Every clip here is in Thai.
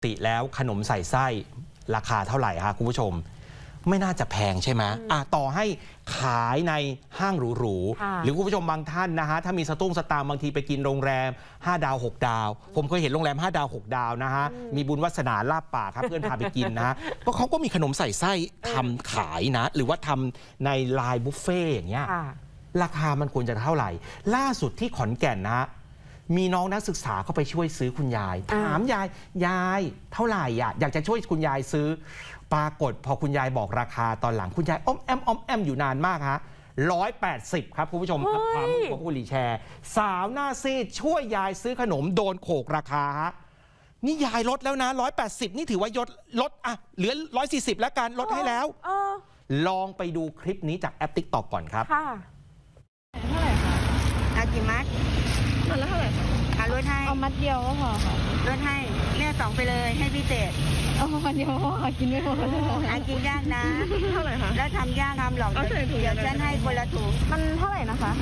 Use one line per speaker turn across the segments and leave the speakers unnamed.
ติแล้วขนมใส่ไส้ราคาเท่าไหร่คะคุณผู้ชมไม่น่าจะแพงใช่ไหมต่อให้ขายในห้างหรูๆหรือคุณผู้ชมบางท่านนะฮะถ้ามีสตุ้งสตางค์บางทีไปกินโรงแรม5 ดาว 6 ดาวผมเคยเห็นโรงแรม5 ดาว 6 ดาวนะฮะมีบุญวาสนาลาบปากครับเพื่อนพาไปกินนะฮะก็เขาก็มีขนมใส่ไส้ทำขายนะหรือว่าทำในไลน์บุฟเฟ่อย่างเงี้ยราคามันควรจะเท่าไหร่ล่าสุดที่ขอนแก่นนะมีน้องนักศึกษาเข้าไปช่วยซื้อคุณยายถามยายเท่าไหร่อยากจะช่วยคุณยายซื้อปรากฏพอคุณยายบอกราคาตอนหลังคุณยายอ้อมแอมอยู่นานมากฮะ180ครับคุณผู้ชมครับความของคุณลีแชร์สาวหน้าซีดช่วยยายซื้อขนมโดนโขกราคาฮะนี่ยายลดแล้วนะ180นี่ถือว่ายศลดเหลือ140แล้วกันลดให้แล้วลองไปดูคลิปนี้จากแอป TikTok ก่อนครับ
เท่าไหร่คะ
เอากี่มัด
มัดละเท่าไหร่คะ
ลดให้
เอามัดเดียวก็พอค่ะ
ลดให้แม่2ไปเลยให้พิเศษ
เอามัดเดียวพอค่ะกินไม่หมด
กินยากนะ
เท่าไหร่คะ
แล้วทำยากทำหรอกเดี๋ยวฉันให้คนละถุง
มันเท่าไหร่นะคะ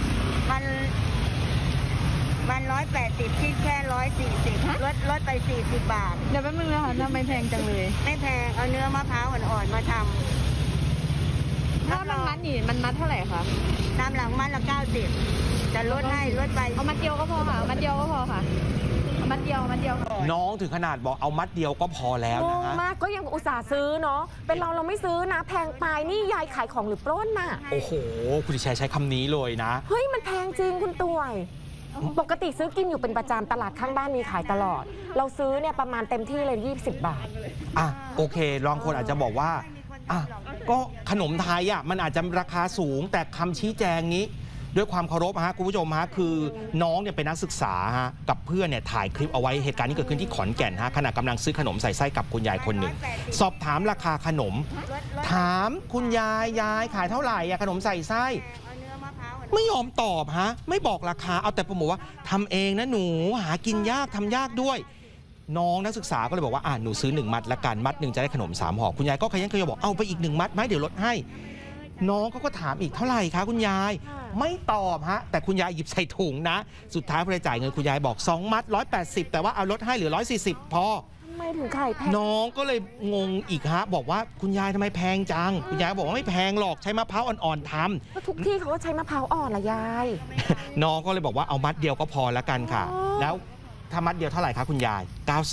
มัน180คิดแค่140ลดไป40 บาท
เดี๋ยวแป๊บนึงนะคะทำไมแพงจังเลย
ไม่แพงเอาเนื้อมะพร้าวอ่อนๆมาทำ
ถ้ามันมัดนี่มันมัดเท่าไหร่คะ
ตามหลังมัดละ90จะลดให้ลดไป
เอามัดเดียวก็พอค่ะมัดเดียวก็พอค่ะมัดเดียว
น้องถึงขนาดบอกเอามัดเดียวก็พอแล้วนะฮะ
มากก็ยังอุตส่าห์ซื้อเนาะเป็นเราไม่ซื้อนะแพงไปนี่ยายขายของหรือปล้นน่ะ
โอ้โหคุณดิฉันใช้คำนี้เลยนะ
เฮ้ยมันแพงจริงคุณต่วยปกติซื้อกินอยู่เป็นประจำตลาดข้างบ้านมีขายตลอดเราซื้อเนี่ยประมาณเต็มที่เลย20 บาท
โอเคลองคนอาจจะบอกว่าก็ขนมไทยมันอาจจะราคาสูงแต่คำชี้แจงนี้ด้วยความเคารพคุณผู้ชมคือน้องเนี่ยเป็นนักศึกษากับเพื่อนเนี่ยถ่ายคลิปเอาไว้เหตุการณ์นี้เกิดขึ้นที่ขอนแก่นขณะกำลังซื้อขนมใส่ไส้กับคุณยายคนหนึ่งสอบถามราคาขนมถามคุณยายขายเท่าไหร่ขนมใส่ไส้ไม่ยอมตอบไม่บอกราคาเอาแต่โปรโมทว่าทำเองนะหนูหากินยากทำยากด้วยน้องนักศึกษาก็เลยบอกว่าหนูซื้อ1 มัดละกันมัดหนึ่งจะได้ขนม3 ห่อคุณยายก็ขยันบอกเอาไปอีก1 มัดไหมเดี๋ยวลดให้น้องเขาก็ถามอีกเท่าไหร่คะคุณยายไม่ตอบแต่คุณยายหยิบใส่ถุงนะสุดท้ายพอจ่ายเงินคุณยายบอก2 มัด180แต่ว่าเอาลดให้เหลือ140พอ
ทำไมถึงขายแพง
น้องก็เลยงงอีกบอกว่าคุณยายทำไมแพงจังคุณยายบอกว่าไม่แพงหรอกใช้มะพร้าวอ่อนๆท
ำทุกที่เขาก็ใช้มะพร้าวอ่อนละยาย
น้องก็เลยบอกว่าเอามัดเดียวก็พอแล้วกันค่ะแล้วถ้ามัดเดียวเท่าไหร่คะคุณยาย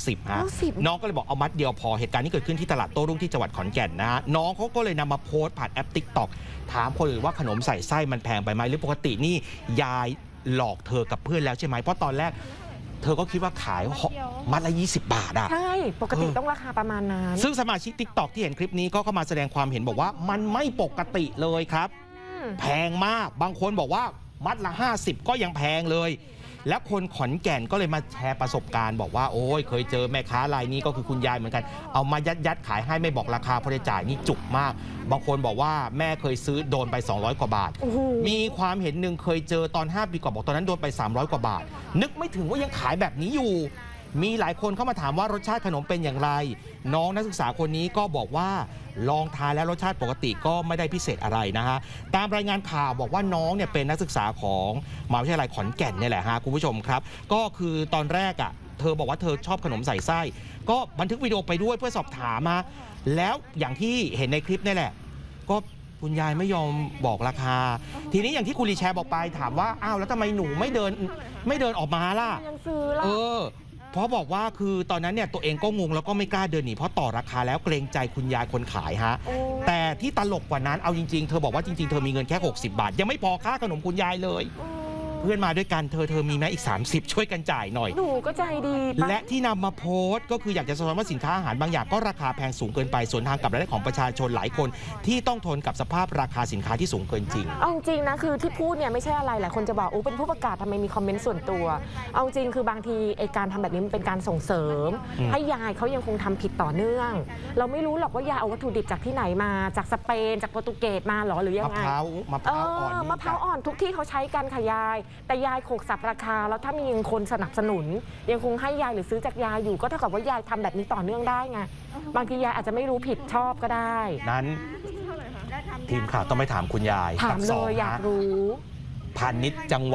90น้องก็เลยบอกเอามัดเดียวพอเหตุการณ์นี้เกิดขึ้นที่ตลาดโต้รุ่งที่จังหวัดขอนแก่นน้องเขาก็เลยนำมาโพสต์ผ่านแอป TikTok ถามคนอื่นว่าขนมใส่ไส้มันแพงไปไหมหรือปกตินี่ยายหลอกเธอกับเพื่อนแล้วใช่ไหมเพราะตอนแรกเธอก็คิดว่าขายมัดละ20 บาท
ใช่ปกติต้องราคาประมาณนั้น
ซึ่งสมาชิก TikTok ที่เห็นคลิปนี้ก็เข้ามาแสดงความเห็นบอกว่ามันไม่ปกติเลยครับแพงมากบางคนบอกว่ามัดละ50ก็ยังแพงเลยและคนขอนแก่นก็เลยมาแชร์ประสบการณ์บอกว่าโอ้ยเคยเจอแม่ค้ารายนี้ก็คือคุณยายเหมือนกันเอามายัดขายให้ไม่บอกราคาพอได้จ่ายนี่จุกมากบางคนบอกว่าแม่เคยซื้อโดนไป200 กว่าบาทมีความเห็นหนึ่งเคยเจอตอน5 ปีก่อนบอกตอนนั้นโดนไป300 กว่าบาทนึกไม่ถึงว่ายังขายแบบนี้อยู่มีหลายคนเข้ามาถามว่ารสชาติขนมเป็นอย่างไรน้องนักศึกษาคนนี้ก็บอกว่าลองทานแล้วรสชาติปกติก็ไม่ได้พิเศษอะไรตามรายงานข่าวบอกว่าน้องเนี่ยเป็นนักศึกษาของมหาวิทยาลัยขอนแก่นนี่แหละคุณผู้ชมครับก็คือตอนแรกเธอบอกว่าเธอชอบขนมใส่ไส้ก็บันทึกวิดีโอไปด้วยเพื่อสอบถามแล้วอย่างที่เห็นในคลิปนี่แหละก็คุณยายไม่ยอมบอกราคาทีนี้อย่างที่คุณลีแชร์บอกไปถามว่าอ้าวแล้วทำไมหนูไม่เดินออกมาล่ะ
ยังซื้อล่ะ
เพราะบอกว่าคือตอนนั้นเนี่ยตัวเองก็งงแล้วก็ไม่กล้าเดินหนีเพราะต่อราคาแล้วเกรงใจคุณยายคนขายแต่ที่ตลกกว่านั้นเอาจริงๆเธอบอกว่าจริงๆเธอมีเงินแค่60 บาทยังไม่พอค่าขนมคุณยายเลยเพื่อนมาด้วยกันเธอมีไหมอีก30ช่วยกันจ่ายหน่อย
หนูก็ใจดี
และที่นำมาโพสต์ก็คืออยากจะสะท้อนว่าสินค้าอาหารบางอย่างก็ราคาแพงสูงเกินไปสวนทางกับรายได้ของประชาชนหลายคนที่ต้องทนกับสภาพราคาสินค้าที่สูงเกินจริง
เอาจริงนะคือที่พูดเนี่ยไม่ใช่อะไรหลายคนจะบอกเป็นผู้ประกาศทำไมมีคอมเมนต์ส่วนตัวเอาจริงคือบางทีการทำแบบนี้มันเป็นการส่งเสริมให้ยายเขายังคงทำผิดต่อเนื่องเราไม่รู้หรอกว่ายายเอาวัตถุดิบจากที่ไหนมาจากสเปนจากโปรตุเกสมาหรอหรือยังไง
มะพร้าว
อ่อนทุกที่เขาใช้กันค่ะยายแต่ยายโขกสับราคาแล้วถ้ามีคนสนับสนุนยังคงให้ยายหรือซื้อจากยายอยู่ก็เท่ากับว่ายายทำแบบนี้ต่อเนื่องได้ไงบางทียายอาจจะไม่รู้ผิดชอบก็ได้
นั้นทีมข่าวต้องไปถามคุณยาย
ถามเลยอยากรู้
พาณิชย์จังหวัด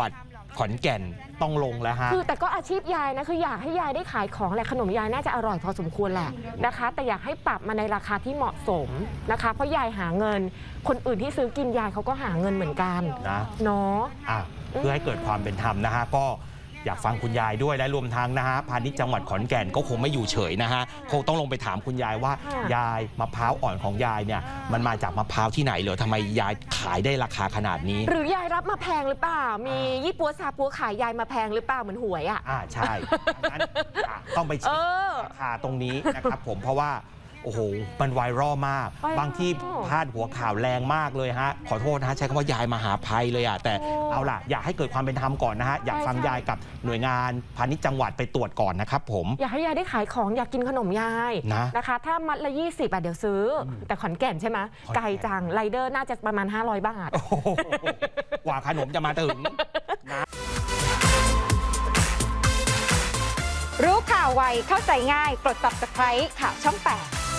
ขอนแก่นต้องลงแล้วฮะ
คือแต่ก็อาชีพยายนะคืออยากให้ยายได้ขายของแหละขนมยายน่าจะอร่อยพอสมควรแหละนะคะ แต่อยากให้ปรับมาในราคาที่เหมาะสมนะคะ เพราะยายหาเงิน คนอื่นที่ซื้อกินยายเขาก็หาเงินเหมือนกันเนาะ
เพื่อให้เกิดความเป็นธรรมนะฮะก็อยากฟังคุณยายด้วยและรวมทั้งนะฮะพาณิชย์จังหวัดขอนแก่นก็คงไม่อยู่เฉยนะฮะคงต้องลงไปถามคุณยายว่า ยายมะพร้าวอ่อนของยายเนี่ยมันมาจากมะพร้าวที่ไหนเหรอทำไมยายขายได้ราคาขนาดนี้
หรือยายรับมาแพงหรือเปล่ามียี่ปัวซาปัวขายยายมาแพงหรือเปล่าเหมือนหวยอ่ะ
ใช่งั้นต้องไปเช็คราคาตรงนี้นะครับผมเพราะว่าโอ้โหมันไวรัลมากบางที่พาดหัวข่าวแรงมากเลยฮะขอโทษนะฮะใช้คำว่ายายมหาภัยเลยอ่ะแต่เอาล่ะอยากให้เกิดความเป็นธรรมก่อนนะฮะอยากฟังยายกับหน่วยงานพาณิชย์จังหวัดไปตรวจก่อนนะครับผม
อยากให้ยายได้ขายของอยากกินขนมยายนะคะถ้ามัดละ20เดี๋ยวซื้อแต่ขอนแก่นใช่ไหมไกลจังไรเดอร์น่าจะประมาณ500 บาท
กว่าขนมจะมาถึงนะ
รู้ข่าวไวเข้าใจง่ายกด Subscribe ข่าวช่อง 8